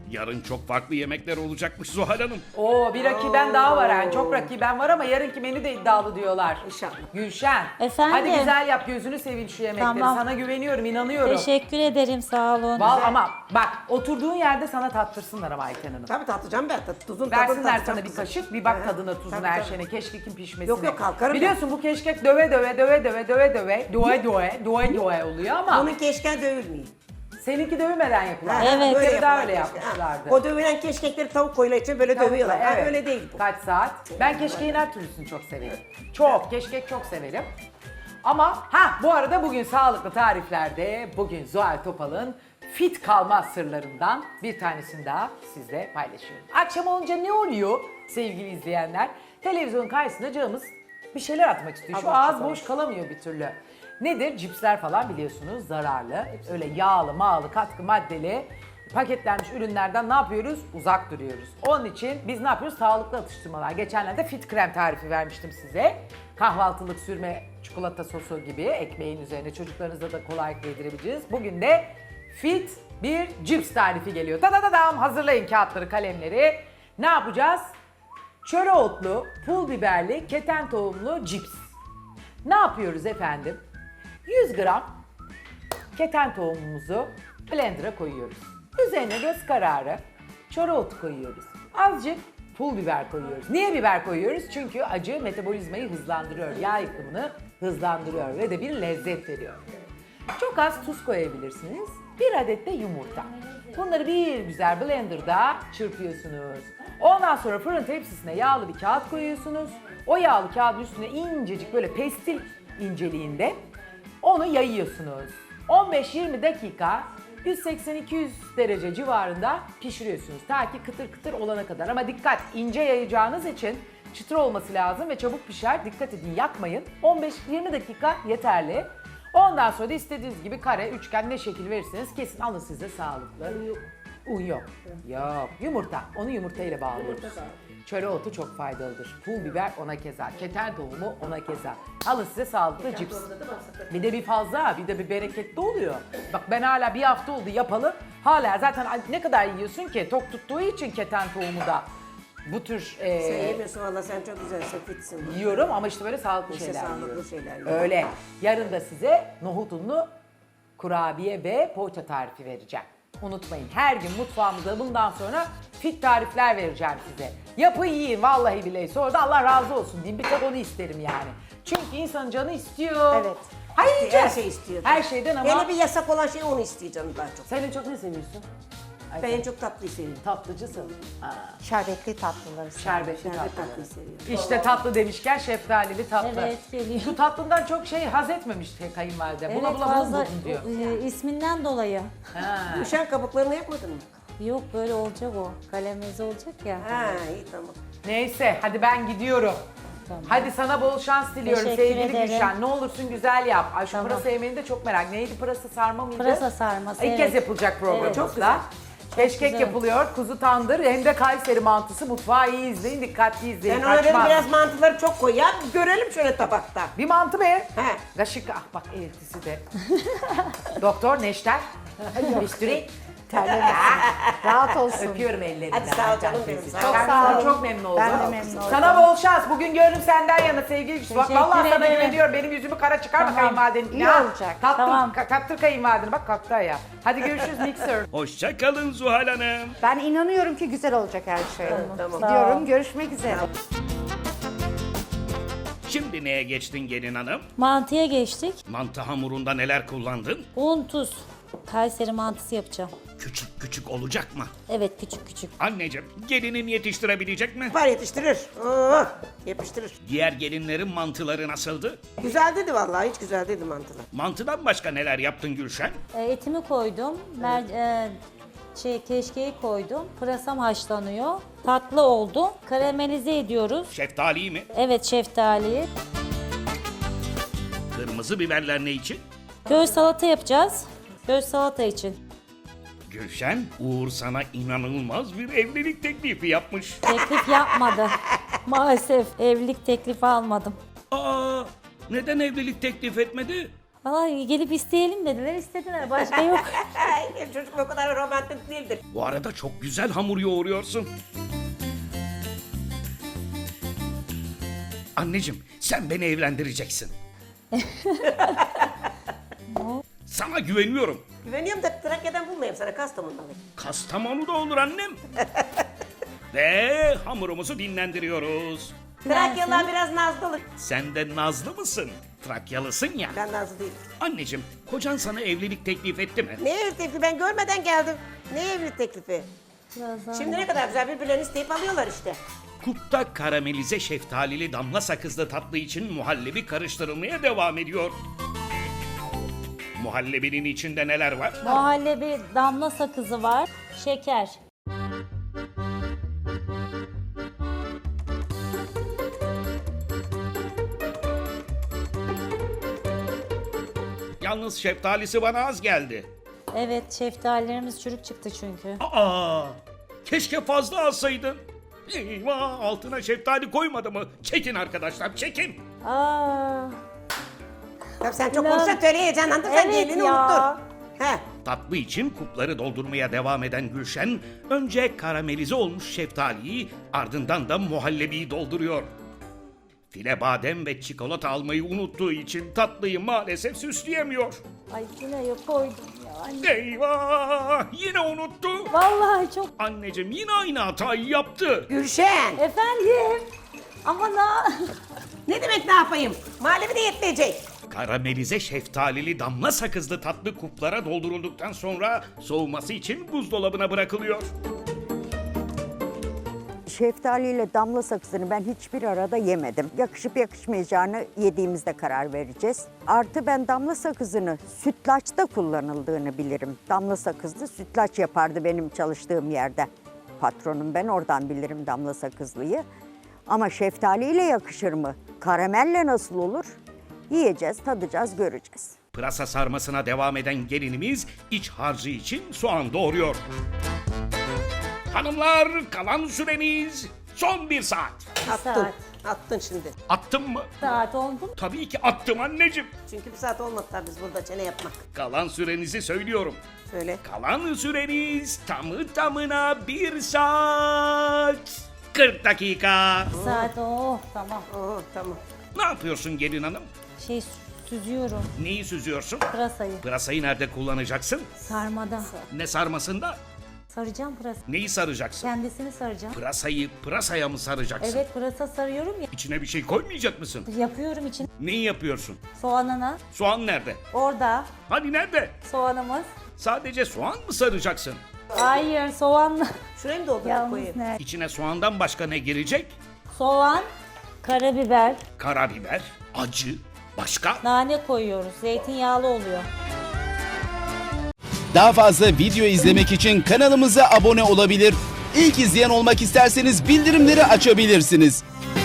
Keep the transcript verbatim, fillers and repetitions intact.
Yarın çok farklı yemekler olacakmış Zuhal Hanım. Oo bir rakiben daha var yani. Çok rakiben var ama yarınki menü de iddialı diyorlar. İnşallah. Gülşen. Efendim? Hadi güzel yap, gözünü seveyim şu yemekleri. Tamam. Sana güveniyorum, inanıyorum. Teşekkür ederim, sağ olun. Val ama bak oturduğun yerde sana tattırsınlar ama Ayten Hanım. Tabii tatacağım ben. Tat, tuzun tadını Versinler tatacağım sana bir kızım. kaşık, bir bak Hı hı. tadına tuzuna Tabii, her tabii. şeyine, keşkekin pişmesine. Yok, yok, kalkarım Biliyorsun bu keşkek döve döve döve döve döve döve, döve döve, döve döve oluyor ama Bunun keşke dövülmüyor. seninki dövmeden yapılan. Ha, Evet. böyle Böyle daha yapılan öyle keşke. Ha, yapmışlardı. O dövülen keşkekleri tavuk koyuyla için böyle dövüyorlar. Ha, Evet. öyle değil bu. Kaç saat? Ben keşkeğin her türlüsünü çok severim. Çok, keşkek çok severim. Ama ha bu arada bugün sağlıklı tariflerde bugün Zuhal Topal'ın fit kalma sırlarından bir tanesini daha sizle paylaşıyorum. Akşam olunca ne oluyor sevgili izleyenler? Televizyonun karşısında canımız bir şeyler atmak istiyor. Şu ağız boş kalamıyor bir türlü. Nedir? Cipsler falan biliyorsunuz zararlı. Öyle yağlı, mağlı, katkı maddeli paketlenmiş ürünlerden ne yapıyoruz? Uzak duruyoruz. Onun için biz ne yapıyoruz? Sağlıklı atıştırmalar. Geçenlerde fit krem tarifi vermiştim size. Kahvaltılık sürme çikolata sosu gibi ekmeğin üzerine çocuklarınıza da kolaylıkla yedirebileceğiz. Bugün de fit bir cips tarifi geliyor. Ta da da dam hazırlayın kağıtları, kalemleri. Ne yapacağız? Çöre otlu, pul biberli, keten tohumlu cips. Ne yapıyoruz efendim? yüz gram keten tohumumuzu blender'a koyuyoruz. Üzerine göz kararı çöre otu koyuyoruz. Azıcık pul biber koyuyoruz. Niye biber koyuyoruz? Çünkü acı metabolizmayı hızlandırıyor, yağ yıkımını hızlandırıyor ve de bir lezzet veriyor. Çok az tuz koyabilirsiniz. Bir adet de yumurta. Bunları bir güzel blenderda çırpıyorsunuz. Ondan sonra fırın tepsisine yağlı bir kağıt koyuyorsunuz. O yağlı kağıdın üstüne incecik böyle pestil inceliğinde onu yayıyorsunuz. on beş yirmi dakika yüz seksen iki yüz derece civarında pişiriyorsunuz. Ta ki kıtır kıtır olana kadar. Ama dikkat, ince yayacağınız için çıtır olması lazım ve çabuk pişer. Dikkat edin, yakmayın. on beş yirmi dakika yeterli. Ondan sonra da istediğiniz gibi kare, üçgen ne şekil verirseniz kesin alın size sağlıklı. Un yok. Yok. Yumurta. Onu yumurtayla bağlıyoruz. Çöre otu çok faydalıdır. Pul biber ona keza. Keten tohumu ona keza. Alın size sağlıklı cips. Bir de bir fazla, bir de bir bereketli oluyor. Bak ben hala bir hafta oldu yapalı. Hala zaten ne kadar yiyorsun ki? Tok tuttuğu için keten tohumu da bu tür e, Sen yemiyorsun valla, sen çok güzelsin, fitsin. yiyorum ama işte böyle sağlıklı İşte şeyler sağlıklı yiyorum. şeyler yiyorum. Öyle. Yarın da size nohut unlu kurabiye ve poğaça tarifi vereceğim. Unutmayın, her gün mutfağımızda bundan sonra fit tarifler vereceğim size. Yapın yiyin vallahi billahi. Sonra da Allah razı olsun diyeyim. Bir tek onu isterim yani. Çünkü insanın canı istiyor. Evet. Hayır Her yiyeceğiz. şey istiyor. Her şeyden ama. Hele bir yasak olan şey onu istiyor canım daha çok. Sen en çok ne seviyorsun? Ay, Ben en çok tatlıyı seviyorum. tatlıcısın. Aa, Şerbetli tatlıları. şerbetli Şerbet tatlı. tatlıyı seviyorum. İşte tatlı demişken şeftalili tatlı. Evet, geliyor. Şu tatlından çok şey haz etmemiş kayınvalide. Buna Evet, bula fazla buldum diyor. e, isminden dolayı. Ha. Üşen kabuklarını yapmadın mı? Yok, böyle olacak o. Kalemimiz olacak ya. Ha iyi tamam. Neyse hadi ben gidiyorum. Tamam. Hadi sana bol şans diliyorum Teşekkür sevgili ederim. Gülşen. Ne olursun güzel yap. Ay şu Tamam. pırasa yemeğini de çok merak. Neydi pırasa sarma mıydı? Pırasa sarması, İlk evet. kez yapılacak programımızda. Evet. Çok güzel. Keşkek güzel. yapılıyor, kuzu tandır hem de Kayseri mantısı. Mutfağı iyi izleyin, dikkatli izleyin. Ben ona dedim Kaçmaz. biraz mantıları çok koy ya, bir görelim şöyle tabakta. Bir mantı be. He. Kaşık, ah bak eltisi de. Doktor Neşter. Bisturi. Terlemesin. Rahat olsun. Öpüyorum ellerinden. Hadi sağ ol Ayten canım teyze. benim, sağ ol. Çok Çok sağ sağ ol. olun. Çok memnun oldum. Ben de memnun oldum. Sana bol şans. Bugün gönlüm senden yana sevgili Gülsü. Bak Teşekkür vallahi sana ederim. güveniyorum. Benim yüzümü kara çıkarma Tamam. kayınvalidenin. İyi Ha, olacak. Tattır, Tamam. ka- kattır kayınvalideni. Bak kalktı ya. Hadi görüşürüz Mixer. Hoşça kalın Zuhal Hanım. Ben inanıyorum ki güzel olacak her şey. Tamam. Sağ ol. Diyorum, görüşmek üzere. Şimdi neye geçtin gelin hanım? Mantıya geçtik. Mantı hamurunda neler kullandın? Un, tuz. Kayseri mantısı yapacağım. Küçük küçük olacak mı? Evet, küçük küçük. Anneciğim, gelinin yetiştirebilecek mi? Var yetiştirir. Oo, yapıştırır. Diğer gelinlerin mantıları nasıldı? Güzel dedi vallahi, hiç güzel dedi mantılar. Mantıdan başka neler yaptın Gülşen? E, etimi koydum. Mer e, şey keşkeği koydum. Pırasam haşlanıyor. Tatlı oldu. Karamelize ediyoruz. Şeftali mi? Evet, şeftali. Kırmızı biberler ne için? Göz salata yapacağız. Göz salata için. Gülşen, Uğur sana inanılmaz bir evlilik teklifi yapmış. Teklif yapmadı. Maalesef evlilik teklifi almadım. Aa, neden evlilik teklif etmedi? Valla gelip isteyelim dediler, istediler. Başka yok. Ay, çocuk o kadar romantik değildir. Bu arada çok güzel hamur yoğuruyorsun. Anneciğim sen beni evlendireceksin. Sana güveniyorum. Güveniyorum da Trakya'dan bulmayayım sana, Kastamonu'dan. Kastamonu'da olur annem. Ve hamurumuzu dinlendiriyoruz. Trakyalılar biraz nazlı olur. Sen de nazlı mısın? Trakyalısın ya. Ben nazlı değilim. Anneciğim kocan sana evlilik teklif etti mi? Ne evlilik teklifi? Ben görmeden geldim. Ne evlilik teklifi? Biraz daha. Şimdi ne kadar güzel birbirlerini isteyip alıyorlar işte. Kupta karamelize şeftalili damla sakızlı tatlı için muhallebi karıştırılmaya devam ediyor. Muhallebinin içinde neler var? Muhallebi, damla sakızı var, şeker. Yalnız şeftalisi bana az geldi. Evet, şeftalilerimiz çürük çıktı çünkü. Aa, keşke fazla alsaydın. Eyvah, altına şeftali koymadı mı? Çekin arkadaşlar, çekin. Aa, Tabii sen çok Lan. konuşsan töre heyecanlandın, sen Evet gelini ya. unuttun. He. Tatlı için kupları doldurmaya devam eden Gülşen, önce karamelize olmuş şeftaliyi, ardından da muhallebiyi dolduruyor. File badem ve çikolata almayı unuttuğu için tatlıyı maalesef süsleyemiyor. ay yine yok koydum ya. Anne. Eyvah! Yine unuttu. Vallahi çok... Anneciğim yine aynı hatayı yaptı. Gülşen. Efendim? Ama na... Ne demek ne yapayım? Muhallebi de yetmeyecek. Karamelize şeftalili damla sakızlı tatlı kuplara doldurulduktan sonra soğuması için buzdolabına bırakılıyor. Şeftali ile damla sakızını ben hiçbir arada yemedim. Yakışıp yakışmayacağını yediğimizde karar vereceğiz. Artı ben damla sakızını sütlaçta kullanıldığını bilirim. Damla sakızlı sütlaç yapardı benim çalıştığım yerde. Patronum, ben oradan bilirim damla sakızlıyı. Ama şeftali ile yakışır mı? Karamelle nasıl olur? Yiyeceğiz, tadacağız, göreceğiz. Pırasa sarmasına devam eden gelinimiz iç harcı için soğan doğuruyor. Hanımlar, kalan süreniz son bir saat. Attın. saat. Attın şimdi. Attım mı? Saat oldu mu? Tabii ki attım anneciğim. Çünkü bir saat olmadı tabii biz burada çene yapmak. Kalan sürenizi söylüyorum. Söyle. Kalan süreniz tamı tamına bir saat kırk dakika. Saat, oh tamam. Oo tamam. Ne yapıyorsun gelin hanım? Şey süzüyorum, Neyi süzüyorsun? pırasayı. Pırasayı nerede kullanacaksın? Sarmada. Ne sarmasında? Saracağım pırasa. Neyi saracaksın? Kendisini saracağım. Pırasayı pırasaya mı saracaksın? Evet, pırasa sarıyorum ya. İçine bir şey koymayacak mısın? Yapıyorum için. Neyi yapıyorsun? Soğanını. Soğan nerede? Orada Hani nerede? soğanımız. Sadece soğan mı saracaksın? Hayır, soğanla. Şurayı mı doldurup Yalnız koyayım? ne? İçine soğandan başka ne girecek? Soğan, karabiber, Karabiber, acı, başka? nane koyuyoruz. Zeytinyağlı oluyor. Daha fazla video izlemek için kanalımıza abone olabilir. İlk izleyen olmak isterseniz bildirimleri açabilirsiniz.